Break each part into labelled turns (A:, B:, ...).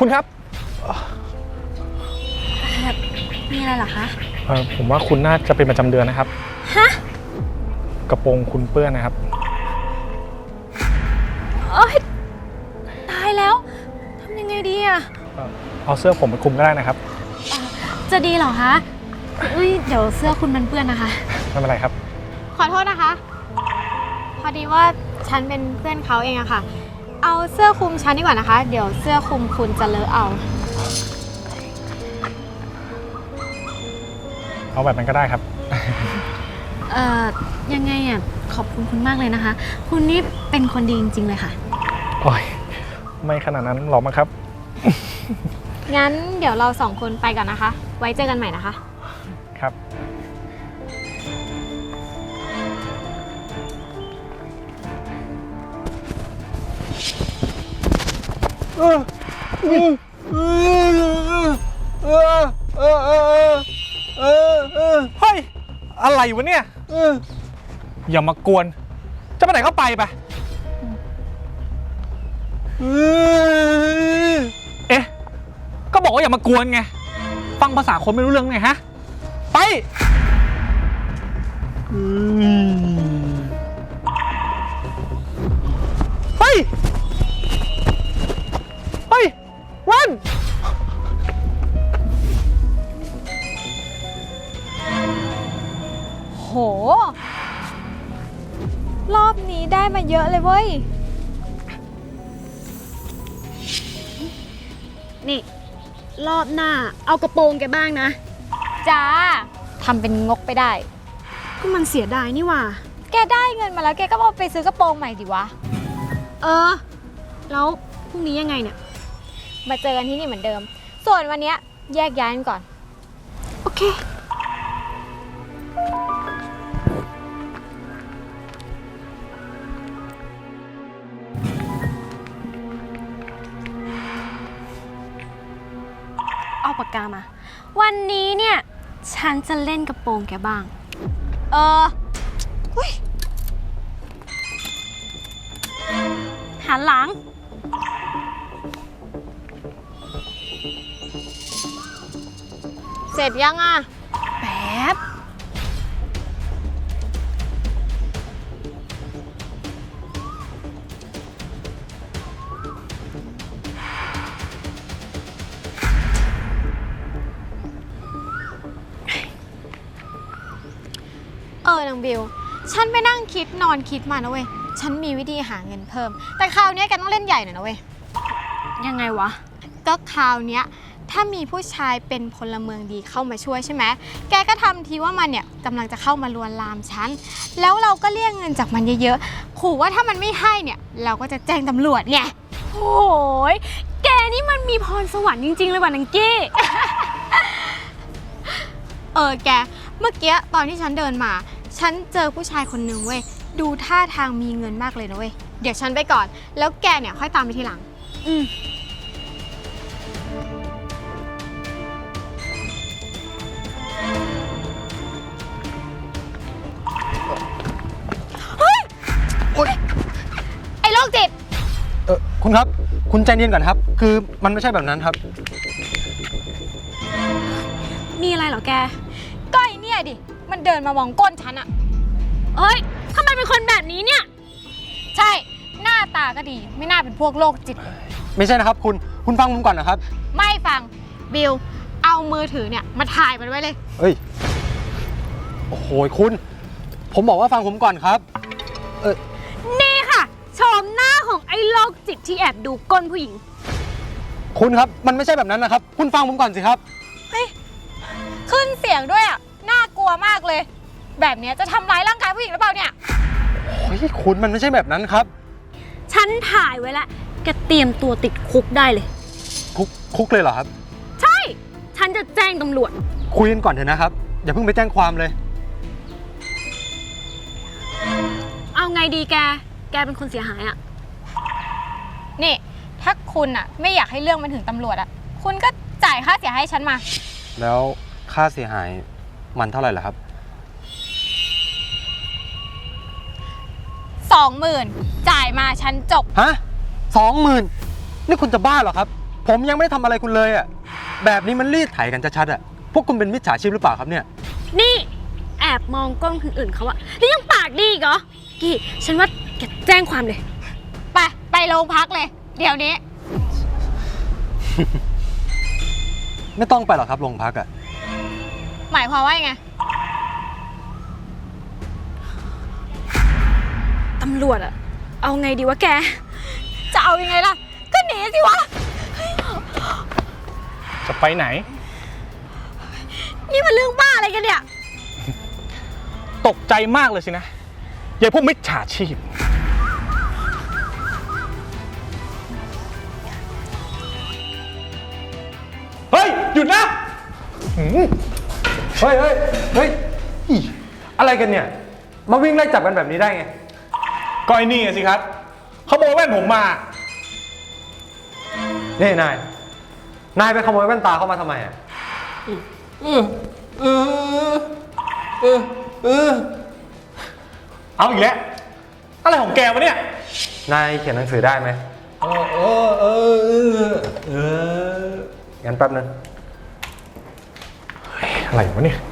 A: คุณครับ
B: มีอะไรเหรอคะ
A: ผมว่าคุณน่าจะเป็นประจำเดือนนะครับ
B: ฮะ
A: กระโปรงคุณเปื้อนนะครับ
B: โอ๊ยตายแล้วทำยังไงดีอะ
A: เอาเสื้อผมไปคลุมก็ได้นะครับ
B: จะดีเหรอคะเดี๋ยวเสื้อคุณมันเปื้อนนะคะ
A: ไม่เป็นไรครับ
B: ขอโทษนะคะพอดีว่าฉันเป็นเพื่อนเขาเองอะค่ะเอาเสื้อคลุมฉันดีกว่านะคะเดี๋ยวเสื้อคลุมคุณจะเลอะ
A: เอาแบบนั้นก็ได้ครับ
B: ยังไงอะขอบคุณมากเลยนะคะคุณนี่เป็นคนดีจริงๆเลยค่ะ
A: โอ้ยไม่ขนาดนั้นหรอกมั้งครับ
B: งั้นเดี๋ยวเราสองคนไปก่อนนะคะไว้เจอกันใหม่นะคะ
A: ครับเฮ้ยอะไรวะเนี่ยอย่ามากวนจะไปไหนก็ไปเอ๊ะก็บอกว่าอย่ามากวนไงฟังภาษาคนไม่รู้เรื่องไงฮะไปเฮ้ยวัน
B: โหรอบนี้ได้มาเยอะเลยเว้ยนี่รอบหน้าเอากระโปรงแกบ้างนะจ้าทำเป็นงกไปได้ก็มันเสียดายนี่ว่าแกได้เงินมาแล้วแกก็เอาไปซื้อกระโปรงใหม่ดิวะแล้วพรุ่งนี้ยังไงเนี่ยมาเจอกันที่นี่เหมือนเดิมส่วนวันนี้แยกย้ายกันก่อนโอเคเอาปากกามาวันนี้เนี่ยฉันจะเล่นกระโปรงแกบ้างหันหลังเสร็จยังอ่ะแป๊บนางบิวฉันไปนั่งคิดนอนคิดมานะเว้ยฉันมีวิธีหาเงินเพิ่มแต่คราวนี้แกต้องเล่นใหญ่หน่อยนะเว้ยยังไงวะก็คราวนี้ถ้ามีผู้ชายเป็นพลเมืองดีเข้ามาช่วยใช่ไหมแกก็ทำทีว่ามันเนี่ยกำลังจะเข้ามาลวนลามฉันแล้วเราก็เรียกเงินจากมันเยอะๆขู่ว่าถ้ามันไม่ให้เนี่ยเราก็จะแจ้งตำรวจไงโอ้ยแกนี่มันมีพรสวรรค์จริงๆเลยว่ะนังกี้ แกเมื่อกี้ตอนที่ฉันเดินมาฉันเจอผู้ชายคนนึงเว้ยดูท่าทางมีเงินมากเลยนะเว้ยเดี๋ยวฉันไปก่อนแล้วแกเนี่ยค่อยตามไปทีหลังเฮ้ยไอ้โรคจิต
C: คุณครับคุณใจเย็นก่อนครับคือมันไม่ใช่แบบนั้นครับ
B: มีอะไรเหรอแกก็ไอเนี่ยดิมันเดินมามองก้นฉันอะทำไมเป็นคนแบบนี้เนี่ยใช่หน้าตาก็ดีไม่น่าเป็นพวกโรคจิตเลย
C: ไม่ใช่นะครับคุณฟังผมก่อนนะครับ
B: ไม่ฟังบิลเอามือถือเนี่ยมาถ่ายมันไว้เลย
C: โอ้โหคุณผมบอกว่าฟังผมก่อนครับ
B: นี่ค่ะชมหน้าของไอ้โรคจิตที่แอบดูก้นผู้หญิง
C: คุณครับมันไม่ใช่แบบนั้นนะครับคุณฟังผมก่อนสิครับ
B: ขึ้นเสียงด้วยอ่ะน่ากลัวมากเลยแบบนี้จะทำร้ายร่างกายผู้หญิงหรือเปล่าเนี่ย
C: คุณมันไม่ใช่แบบนั้นครับ
B: ฉันถ่ายไว้แล้วแกเตรียมตัวติดคุกได้เลย
C: คุกเลยเหรอครับ
B: ใช่ฉันจะแจ้งตำรวจ
C: คุยกันก่อนเถอะนะครับอย่าเพิ่งไปแจ้งความเลย
B: เอาไงดีแกเป็นคนเสียหายอ่ะนี่ถ้าคุณอ่ะไม่อยากให้เรื่องมันถึงตำรวจอ่ะคุณก็จ่ายค่าเสียหายให้ฉันมา
C: แล้วค่าเสียหายมันเท่าไหร่ล่ะครับ
B: 20,000จ่ายมาฉันจบ
C: ฮะ20,000นี่คุณจะบ้าเหรอครับผมยังไม่ได้ทำอะไรคุณเลยอ่ะแบบนี้มันรีดไถกันชัดๆอ่ะพวกคุณเป็นมิจฉาชีพหรือเปล่าครับเนี่ย
D: นี่แอบมองกล้องคนอื่นเขาอะแล้วยังปากดีอีกเหรอกี้ฉันว่าแกแจ้งความเลย
B: ไปโรงพักเลย เดี๋ยวนี้
C: ไม่ต้องไปหรอกครับโรงพักอ่ะ
B: หมายความว่ายังไง
D: ตำรวจอะเอาไงดีวะแก
B: จะเอายังไงล่ะ ก็หนีสิวะ
A: จะไปไหน
D: นี่มันเรื่องบ้าอะไรกันเนี่ย
A: ตกใจมากเลยสินะยายพวกมิจฉาชีพ เฮ้ย หยุดนะหืม
C: เฮ้ยเฮ้ยเฮ้ยอีอะไรกันเนี่ย มาวิ่งไล่จับกันแบบนี้ได้ไง
A: ก็ไอ้นี่ไงสิครับขโมยแว่นผมมา
C: นี่นายไปขโมยแว่นตาเข้ามาทำไมอ่ะ
A: เอาอีกแล้ว อะไรของแกวะเนี่ย
C: นายเขียนหนังสือได้ไหมงั้นแป๊บนึง
A: อะไรวะเนี่ย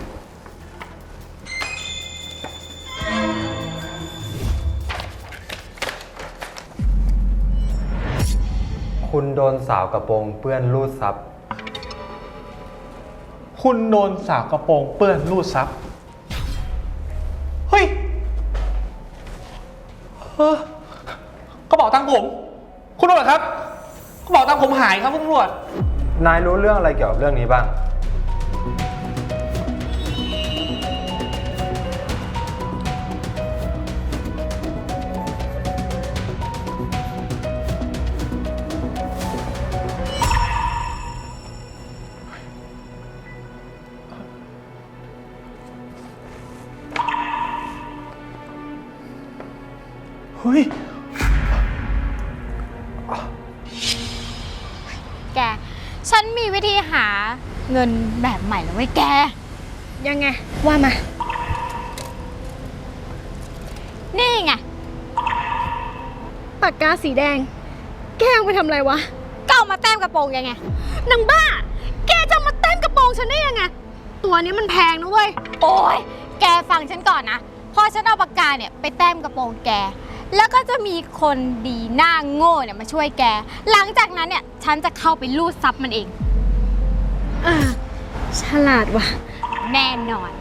C: คุณโดนสาวกระโปรงเปื้อนรูดซับ
A: คุณโดนสาวกระโปรงเปื้อนรูดซับ เฮ้ยกระเป๋าตังค์ผม คุณตำรวจครับกระเป๋าตังค์ผมหายครับคุณตำรวจ
C: นายรู้เรื่องอะไรเกี่ยวกับเรื่องนี้บ้าง
A: เฮ้ย
B: แก ฉันมีวิธีหาเงินแบบใหม่แล้วเว้ยแก
D: ยังไง ว่ามา
B: นี่ไง
D: ปากกาสีแดง แกเอาไปทำอะไรวะ
B: ก็เอามาแต้มกระโปรงยังไง
D: นางบ้า แกจะมาเต้นกระโปรงฉันได้ยังไง ตัวนี้มันแพงนะเว้ย
B: โอ้ยแกฟังฉันก่อนนะ พอฉันเอาปากกาเนี่ยไปแต้มกระโปรงแก แล้วก็จะมีคนดีหน้าโง่เนี่ยมาช่วยแก หลังจากนั้นเนี่ยฉันจะเข้าไปลูดซับมันเอง
D: ฉลาดว่ะ
B: แน่นอน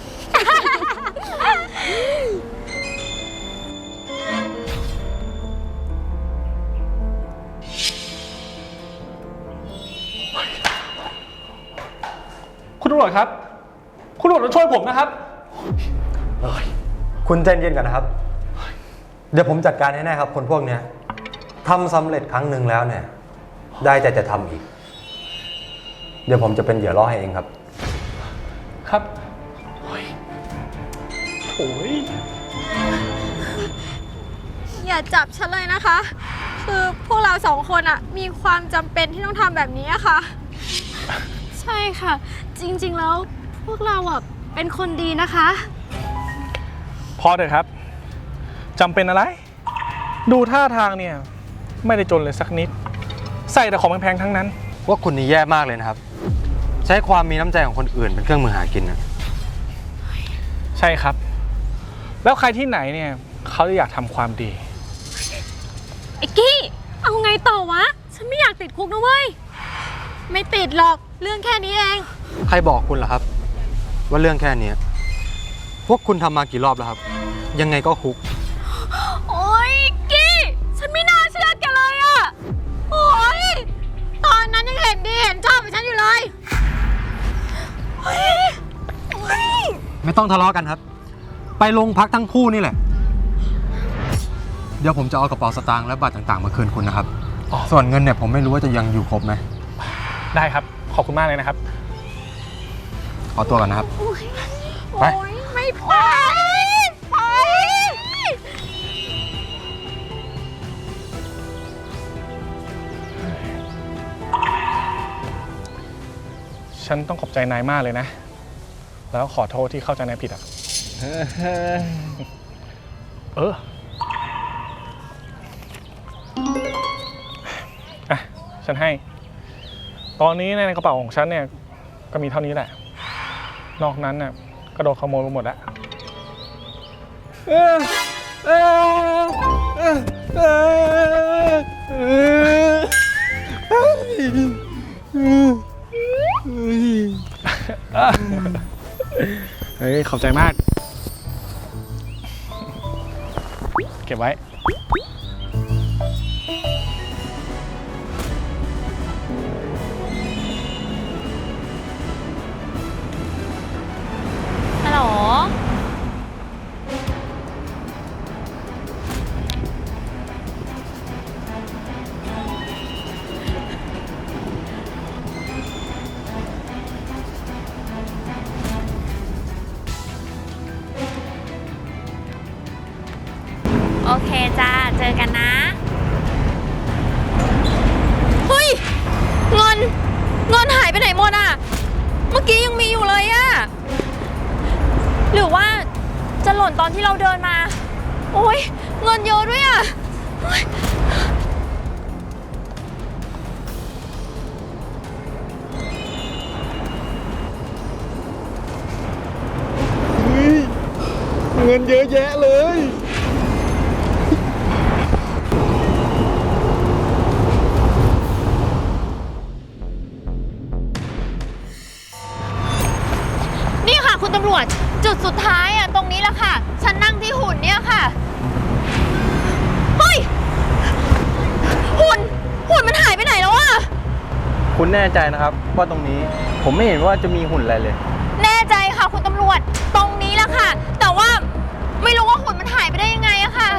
A: คุณตำรวจครับ คุณตำรวจต้องช่วยผมนะครับ
C: คุณใจเย็นกันนะครับ เดี๋ยวผมจัดการให้แน่ครับ คนพวกเนี้ยทำสำเร็จครั้งหนึ่งแล้วเนี่ย ได้แต่จะทำอีก เดี๋ยวผมจะเป็นเหยื่อล่อให้เองครับ
A: ครับโอ้ยโอ้ย
B: อย่าจับฉันเลยนะคะ คือพวกเราสองคนอะมีความจำเป็นที่ต้องทำแบบนี้อะค่ะ
D: ใช่ค่ะ จริงๆแล้วพวกเราอ่ะเป็นคนดีนะคะ
A: พอเถอะครับ จำเป็นอะไร ดูท่าทางเนี่ย ไม่ได้จนเลยสักนิด ใส่แต่ของแพงๆทั้งนั้น
C: ว่าคุณนี่แย่มากเลยนะครับ ใช้ความมีน้ำใจของคนอื่นเป็นเครื่องมือหากินนะ
A: ใช่ครับ แล้วใครที่ไหนเนี่ย เขาจะอยากทำความดี
D: ไอ้กี้ เอาไงต่อวะ ฉันไม่อยากติดคุกนะเว้ย
B: ไม่ติดหรอก เรื่องแค่นี้เอง
C: ใครบอกคุณล่ะครับ ว่าเรื่องแค่เนี้ยพวกคุณทำมากี่รอบแล้วครับ ยังไงก็คุก
D: โอ๊ยกี้ ฉันไม่น่าเชื่อแกเลยอะ
B: โอ้ยตอนนั้นยังเห็นดีเห็นชอบกับฉันอยู่เลย
C: ไม่ต้องทะเลาะกันครับ ไปโรงพักทั้งคู่นี่แหละ เดี๋ยวผมจะเอากระเป๋าสตางค์และบัตรต่างๆ มาคืนคุณนะครับ ส่วนเงินเนี่ยผมไม่รู้ว่าจะยังอยู่ครบไหม
A: ได้ครับ ขอบคุณมากเลยนะครับ
C: ขอตัวก่อนนะครับ ไป
B: โอ๊ยไม่ไปไป
A: ฉันต้องขอบใจนายมากเลยนะ แล้วขอโทษที่เข้าใจนายผิดอ่ะ อ่ะ ฉันให้ตอนนี้ในกระเป๋าของฉันเนี่ยก็มีเท่านี้แหละ นอกนั้นเนี่ยก็โดนขโมยไปหมดแล้วเฮ้ยขอบใจมาก เก็บไว้
D: ฮัลโหล โอเคจ้า เจอกันนะ
E: เฮ้ยเงินหายไปไหนหมดอ่ะ เมื่อกี้ยังมีอยู่เลยอ่ะ หรือว่าจะหล่นตอนที่เราเดินมา โอ้ยเงินเยอะด้วยอ่ะโอ๊ย
A: เงินเยอะแยะเลย
E: นี่ค่ะคุณตำรวจจุดสุดท้ายอ่ะตรงนี้แหละค่ะ ฉันนั่งที่หุ่นเนี่ยค่ะ เฮ้ย หุ่นมันหายไปไหนแล้วอ่ะ
C: คุณแน่ใจนะครับว่าตรงนี้ผมไม่เห็นว่าจะมีหุ่นอะไรเลย
E: แน่ใจค่ะคุณตำรวจตรงนี้แหละค่ะ แต่ว่าไม่รู้ว่าหุ่นมันหายไปได้ยังไงอะค่ะ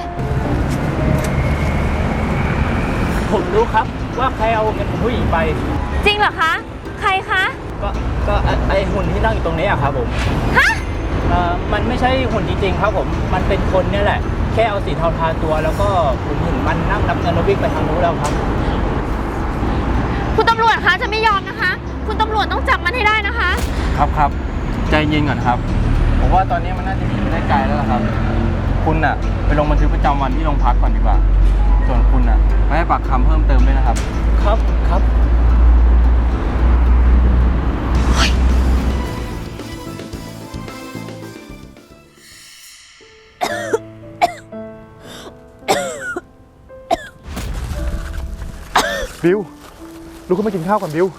F: ผมรู้ครับว่าใครเอาเงินของผู้หญิงไป
E: จริงเหรอคะ ใครคะ
F: ก็ไอหุ่นที่นั่งอยู่ตรงนี้อะครับผม
E: ฮะ
F: มันไม่ใช่หุ่นจริงๆครับผม มันเป็นคนเนี่ยแหละ แค่เอาสีเทาทาตัว แล้วก็ผมเห็นมันนั่งนับเงินแล้ววิ่งไปทางนู้นแล้วครับ
E: คุณตำรวจคะจะไม่ยอมนะคะ คุณตำรวจต้องจับมันให้ได้นะคะ
C: ครับใจเย็นก่อนครับ ผมว่าตอนนี้มันน่าจะหนีไปได้ไกลแล้วล่ะครับ คุณน่ะไปลงบันทึกประจำวันที่โรงพักก่อนดีกว่า ส่วนคุณน่ะไปให้ปากคำเพิ่มเติมด้วยนะครับ
F: ครับ
A: บิวลุกขึ้นมากินข้าวก่อนบิว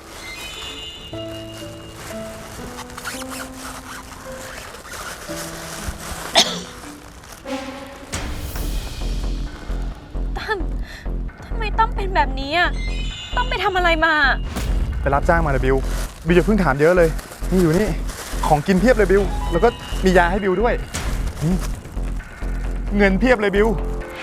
D: ทำไมตั้มเป็นแบบนี้อ่ะตั้มไปทำอะไรมา
G: ไปรับจ้างมาเลยบิวอย่าเพิ่งถามเยอะเลยนี่อยู่นี่ของกินเพียบเลยบิวแล้วก็มียาให้บิวด้วยนี่เงินเพียบเลยบิว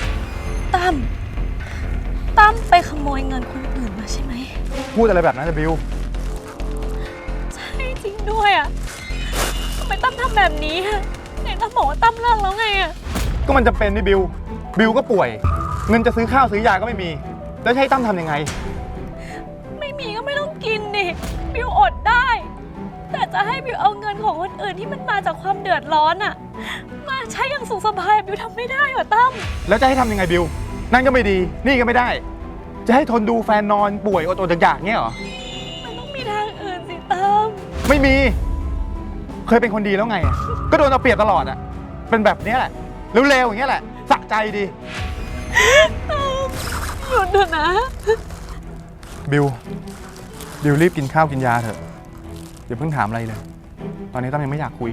D: ตั้มไปขโมยเงินคนอื่นมาใช่ไหม
G: พูดอะไรแบบนั้นนะบิว
D: ใช่จริงด้วยอ่ะทำไมตั้มทำแบบนี้อ่ะไหนตั้มบอกว่าตั้มเลิกแล้วไงอ่ะ
G: ก็มันจำเป็นนี่บิวก็ป่วย เงินจะซื้อข้าวซื้อยาก็ไม่มี แล้วจะให้ตั้มทำยังไง
D: ไม่มีก็ไม่ต้องกินดิบิวอดได้ แต่จะให้บิวเอาเงินของคนอื่นที่มันมาจากความเดือดร้อนอ่ะมาใช้อย่างสุขสบายบิวทำไม่ได้หรอตั้ม
G: แล้วจะให้ทำยังไงบิวนั่นก็ไม่ดีนี่ก็ไม่ได้ จะให้ทนดูแฟนนอนป่วยอดๆอยากๆเงี้ยเหรอ
D: มันต้องมีทางอื่นสิตั้ม
G: ไม่มี เคยเป็นคนดีแล้วไงอะก็โดนเอาเปรียบตลอดอ่ะเป็นแบบเนี้ยแหละเร็วๆอย่างเงี้ยแหละสะใจดี
D: หยุดเถอะนะ
G: บิวรีบกินข้าวกินยาเถอะอย่าเพิ่งถามอะไรเลย ตอนนี้ตั้มยังไม่อยากคุย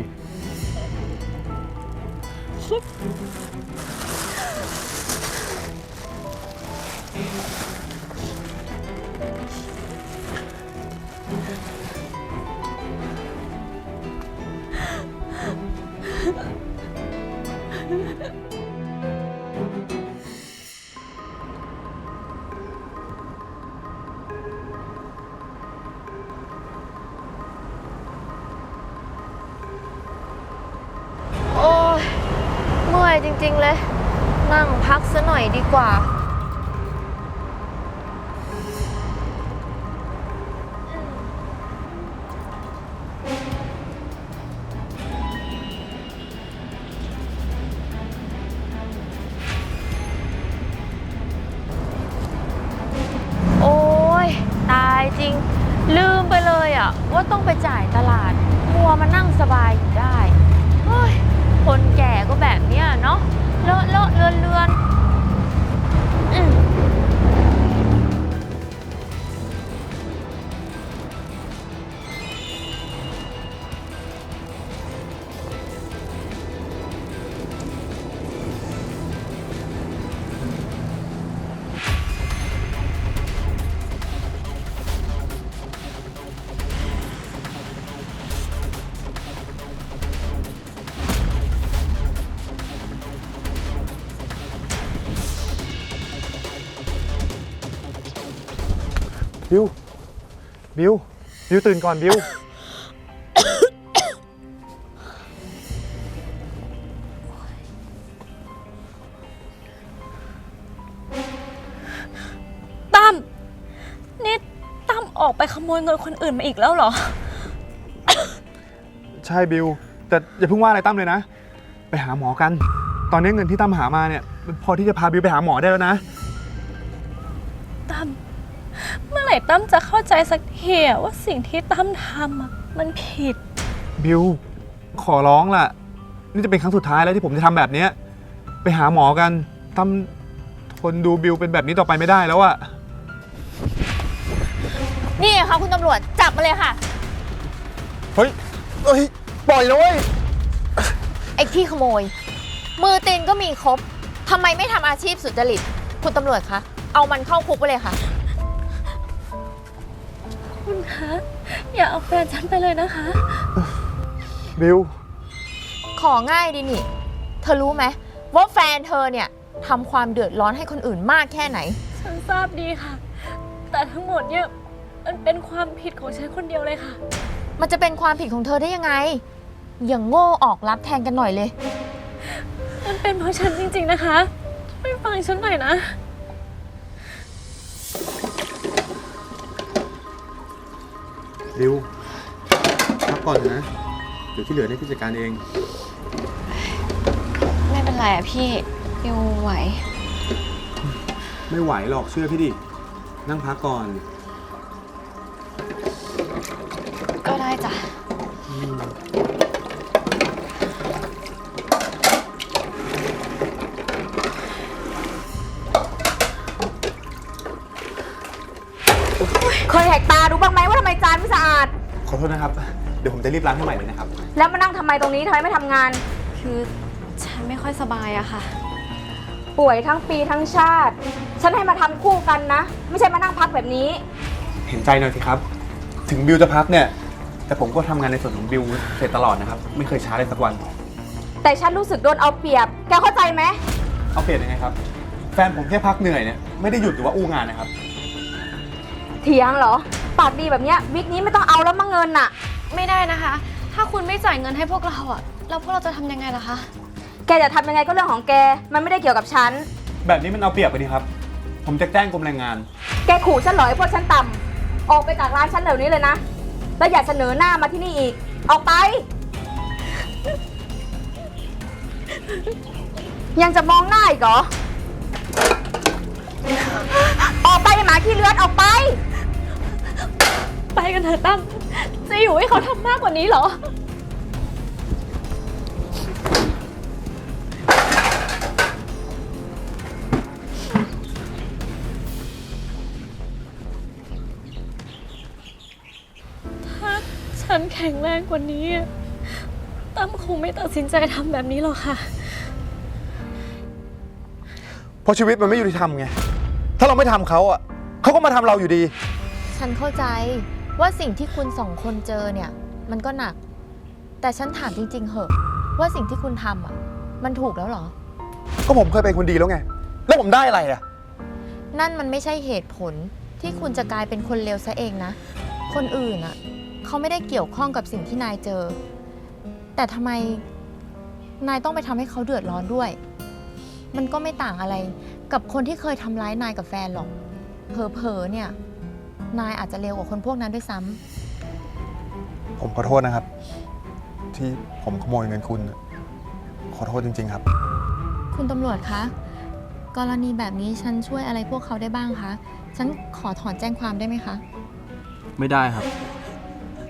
E: โอ้ยเมื่อยจริงๆเลย นั่งพักซะหน่อยดีกว่า โอ้ยตายจริง ลืว่าต้องไปจ่ายตลาดมัวมานั่งสบายอยู่ได้เฮ้ยคนแก่ก็แบบเนี้ยเนาะเลอะเลอะเลือนเลือนอืม
G: บิว บิว บิวตื่นก่อนบิว
D: ตั้มนี่ตั้มออกไปขโมยเงินคนอื่นมาอีกแล้วเหรอ
G: ใช่บิว แต่อย่าเพิ่งว่าอะไรตั้มเลยนะ ไปหาหมอกัน ตอนนี้เงินที่ตั้มหามาเนี่ยมันพอที่จะพาบิวไปหาหมอได้แล้วนะ
D: ตั้มเมื่อไหร่ตั้มจะเข้าใจสักทีอะว่าสิ่งที่ตั้มทำอะมันผิด
G: บิว ขอร้องล่ะ นี่จะเป็นครั้งสุดท้ายแล้วที่ผมจะทำแบบเนี้ยไปหาหมอกัน ตั้มทนดูบิวเป็นแบบนี้ต่อไปไม่ได้แล้วอะ
E: นี่ค่ะคุณตำรวจจับมาเลยค่ะ
G: เฮ้ย เฮ้ย ปล่อยนะเว้ย
E: ไอ้ที่ขโมย มือตีนก็มีครบทำไมไม่ทำอาชีพสุจริตคุณตำรวจคะเอามันเข้าคุกไปเลยค่ะ
D: คุณคะ อย่าเอาแฟนฉันไปเลยนะคะ
G: บิว
E: ของง่ายดีนี่ เธอรู้ไหมว่าแฟนเธอเนี่ยทำความเดือดร้อนให้คนอื่นมากแค่ไหน
D: ฉันทราบดีค่ะ แต่ทั้งหมดเนี่ยมันเป็นความผิดของฉันคนเดียวเลยค่ะ
E: มันจะเป็นความผิดของเธอได้ยังไง อย่างโง่ออกรับแทนกันหน่อยเลย
D: มันเป็นเพราะฉันจริงๆนะคะช่วยฟังฉันหน่อยนะ
G: บิวพักก่อนนะ เดี๋ยวที่เหลือเนี่ยพี่จัดการเอง
B: ไม่เป็นไรอะพี่บิวไหว
G: ไม่ไหวหรอกเชื่อพี่ดิ นั่งพักก่อน
B: ก็ได้จ้ะ
H: เคยแหกตาดูบ้างไหมว่าทำไมจานไม่สะอาด
G: ขอโทษนะครับ เดี๋ยวผมจะรีบล้างให้ใหม่เลยนะครับ
H: แล้วมานั่งทำไมตรงนี้ทำไมไม่ทำงาน
B: คือฉันไม่ค่อยสบายอะค่ะ
H: ป่วยทั้งปีทั้งชาติ ฉันให้มาทำคู่กันนะ ไม่ใช่มานั่งพักแบบนี้
G: เห็นใจหน่อยสิครับ ถึงบิวจะพักเนี่ย แต่ผมก็ทำงานในส่วนของบิวเสร็จตลอดนะครับ ไม่เคยช้าเลยสักวัน
H: แต่ฉันรู้สึกโดนเอาเปรียบ แกเข้าใจไหม
G: เอาเปลี่ยนยังไงครับ แฟนผมแค่พักเหนื่อยเนี่ยไม่ได้หยุดหรือว่าอู้งานนะครับ
H: เถียงเหรอ ปากดีแบบเนี้ยวิกนี้ไม่ต้องเอาแล้วมั้งเงินน่ะ
B: ไม่ได้นะคะ ถ้าคุณไม่จ่ายเงินให้พวกเราอะแล้วพวกเราจะทำยังไงล่ะคะ
H: แกจะทำยังไงก็เรื่องของแก มันไม่ได้เกี่ยวกับฉัน
G: แบบนี้มันเอาเปรียบไปดีครับ ผมจะแจ้งกรมแรงงาน
H: แกขู่ฉันเหรอไอ้พวกฉันต่ำออกไปจากร้านฉันเดี๋ยวนี้เลยนะ แล้วอย่าเสนอหน้ามาที่นี่อีก ออกไป ยังจะมองหน้าอีกเหรอ ออกไปไอ้หมาขี้เลือดออกไป
D: ไปกันเถอะตั้มจะอยู่ให้เขาทำมากกว่านี้เหรอ ถ้าฉันแข็งแรงกว่านี้ตั้มคงไม่ตัดสินใจทำแบบนี้หรอกค่ะ
G: เพราะชีวิตมันไม่ยุติธรรมไง ถ้าเราไม่ทำเขาอ่ะเขาก็มาทำเราอยู่ดี
E: ฉันเข้าใจว่าสิ่งที่คุณสองคนเจอเนี่ย มันก็หนัก แต่ฉันถามจริงๆเหอะ ว่าสิ่งที่คุณทำอ่ะ มันถูกแล้วเหรอ
G: ก็ผมเคยเป็นคนดีแล้วไง แล้วผมได้อะไรอ่ะ
E: นั่นมันไม่ใช่เหตุผลที่คุณจะกลายเป็นคนเลวซะเองนะ คนอื่นอ่ะเขาไม่ได้เกี่ยวข้องกับสิ่งที่นายเจอ แต่ทำไมนายต้องไปทำให้เขาเดือดร้อนด้วย มันก็ไม่ต่างอะไรกับคนที่เคยทำร้ายนายกับแฟนหรอกเผลอๆเนี่ยนายอาจจะเลวกว่าคนพวกนั้นด้วยซ้ำ
G: ผมขอโทษนะครับ ที่ผมขโมยเงินคุณขอโทษจริงๆครับ
E: คุณตำรวจคะ กรณีแบบนี้ฉันช่วยอะไรพวกเขาได้บ้างคะ ฉันขอถอนแจ้งความได้ไหมคะ
F: ไม่ได้ครับ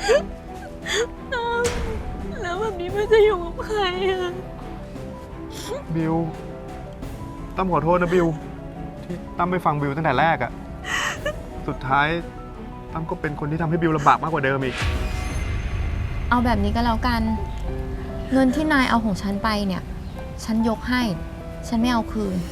D: แล้วแบบนี้มันจะอยู่กับใครอะ
G: บิวตั้มขอโทษนะบิวที่ตั้มไม่ฟังบิวตั้งแต่แรกอะสุดท้ายตั้มก็เป็นคนที่ทำให้บิวลำบากมากกว่าเดิมอีก
E: เอาแบบนี้ก็แล้วกัน เงินที่นายเอาของฉันไปเนี่ย ฉันยกให้ ฉันไม่เอาคืน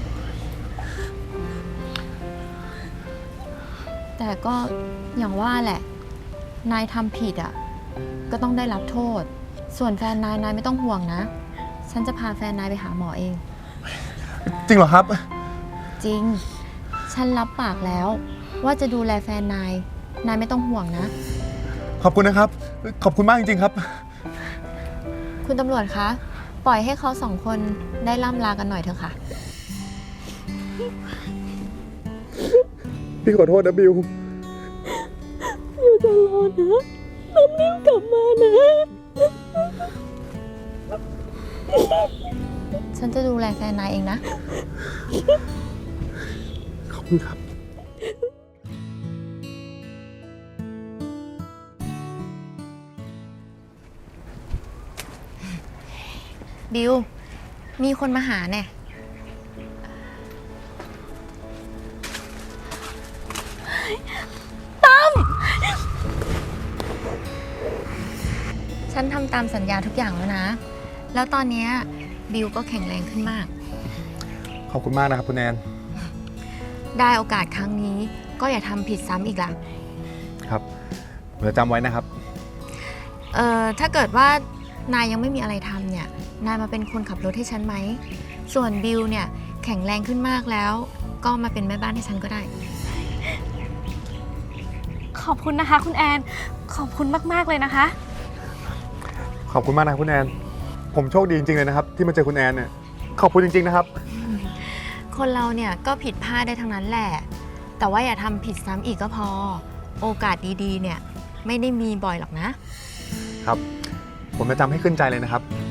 E: แต่ก็อย่างว่าแหละ นายทำผิดอ่ะ ก็ต้องได้รับโทษ ส่วนแฟนนายไม่ต้องห่วงนะ ฉันจะพาแฟนนายไปหาหมอเอง
G: จริงเหรอครับ
E: จริง ฉันรับปากแล้ว ว่าจะดูแลแฟนนาย นายไม่ต้องห่วงนะ
G: ขอบคุณนะครับ ขอบคุณมากจริงๆครับ
E: คุณตำรวจคะ ปล่อยให้เขาสองคนได้ล่ำลากันหน่อยเถอะค่ะ
G: พี่ขอโทษนะบิว
D: อยู่ตลอดนะต้องรีบกลับมานะ
E: ฉันจะดูแลแฟนนายเองนะ
G: ขอบคุณครับ
E: บิว มีคนมาหาแน่ฉันทำตามสัญญาทุกอย่างแล้วนะ แล้วตอนเนี้ยบิวก็แข็งแรงขึ้นมาก
G: ขอบคุณมากนะครับคุณแอน
E: ได้โอกาสครั้งนี้ก็อย่าทำผิดซ้ำอีกล่ะ
G: ครับผมจะจำไว้นะครับ
E: ถ้าเกิดว่านายยังไม่มีอะไรทำเนี่ย นายมาเป็นคนขับรถให้ฉันไหม ส่วนบิวเนี่ยแข็งแรงขึ้นมากแล้ว ก็มาเป็นแม่บ้านให้ฉันก็ได้
D: ขอบคุณนะคะคุณแอน ขอบคุณมากๆเลยนะคะ
G: ขอบคุณมากนะครับคุณแอน ผมโชคดีจริงๆเลยนะครับ ที่มาเจอคุณแอนเนี่ย ขอบคุณจริงๆนะครับ
E: คนเราเนี่ยก็ผิดพลาดได้ทั้งนั้นแหละ แต่ว่าอย่าทำผิดซ้ำอีกก็พอ โอกาสดีๆเนี่ยไม่ได้มีบ่อยหรอกนะ
G: ครับ ผมจะจำให้ขึ้นใจเลยนะครับ